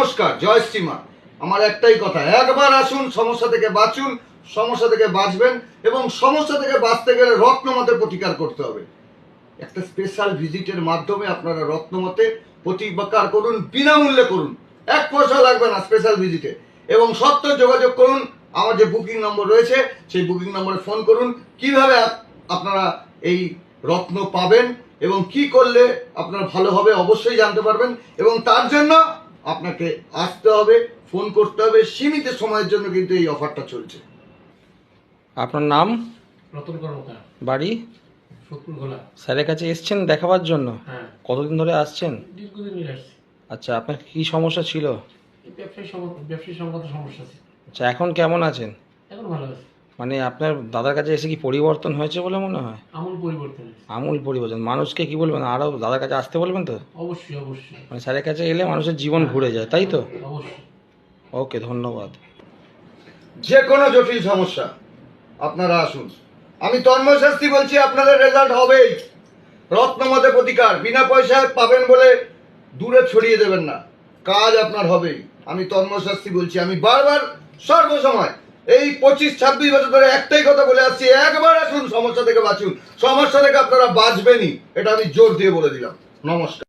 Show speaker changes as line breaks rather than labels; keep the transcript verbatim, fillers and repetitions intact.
নমস্কার, জয় শ্রীমা। আমার একটাই কথা, একবার আসুন, সমস্যা থেকে বাঁচুন, সমস্যা থেকে বাঁচবেন এবং সমস্যা থেকে বাঁচতে গেলে রত্নমতে প্রতিকার করতে হবে। একটা স্পেশাল ভিজিটের মাধ্যমে আপনারা রত্নমতে প্রতিকার করুন, বিনামূল্যে করুন, এক পয়সা লাগবে না স্পেশাল ভিজিটে। এবং সত্ত্বর যোগাযোগ করুন, আমার যে বুকিং নম্বর রয়েছে সেই বুকিং নম্বরে ফোন করুন। কিভাবে আপনারা এই রত্ন পাবেন এবং কি করলে আপনার ভালো হবে অবশ্যই জানতে পারবেন। এবং তার জন্য আপনাকে আসতে হবে, ফোন করতে হবে। সীমিত সময়ের জন্য কিন্তু এই অফারটা চলছে।
আপনার নাম?
রতন কর্মকার,
বাড়ি?
সত্তর গোলা।
স্যারের কাছে এসছেন দেখাবার জন্য?
হ্যাঁ,
কতদিন ধরে আসছেন?
দীর্ঘদিন আসছি।
আচ্ছা, আপনার কি সমস্যা ছিল?
এই ব্যবসায়ী সম- ব্যবসায়ী সংক্রান্ত সমস্যা ছিল।
আচ্ছা, এখন কেমন আছেন?
এখন ভালো আছে।
মানে আপনার দাদার কাছে এসে কি পরিবর্তন হয়েছে বলে মনে হয়?
আমূল পরিবর্তন হয়েছে।
আমূল পরিবর্তন। মানুষকে কি বলবেন, আরও দাদার কাছে আসতে বলবেন তো?
অবশ্যই অবশ্যই
মানে স্যারের কাছে এলে মানুষের জীবন ঘুরে যায়, তাই তো?
অবশ্যই।
ওকে, ধন্যবাদ।
যে কোনো জটিল সমস্যা আপনারা আসুন। আমি তন্ময় শাস্ত্রী বলছি, আপনাদের রেজাল্ট হবেই। রত্নমতে প্রতিকার বিনা পয়সায় পাবেন বলে দূরে ছড়িয়ে দেবেন না, কাজ আপনার হবেই। আমি তন্ময় শাস্ত্রী বলছি। আমি বারবার সর্বসময় এই পঁচিশ ছাব্বিশ বছর ধরে একটাই কথা বলে আসছি, একবার আসুন, সমস্যা থেকে বাঁচুন। সমস্যা থেকে আপনারা বাঁচবেনই, এটা আমি জোর দিয়ে বলে দিলাম। নমস্কার।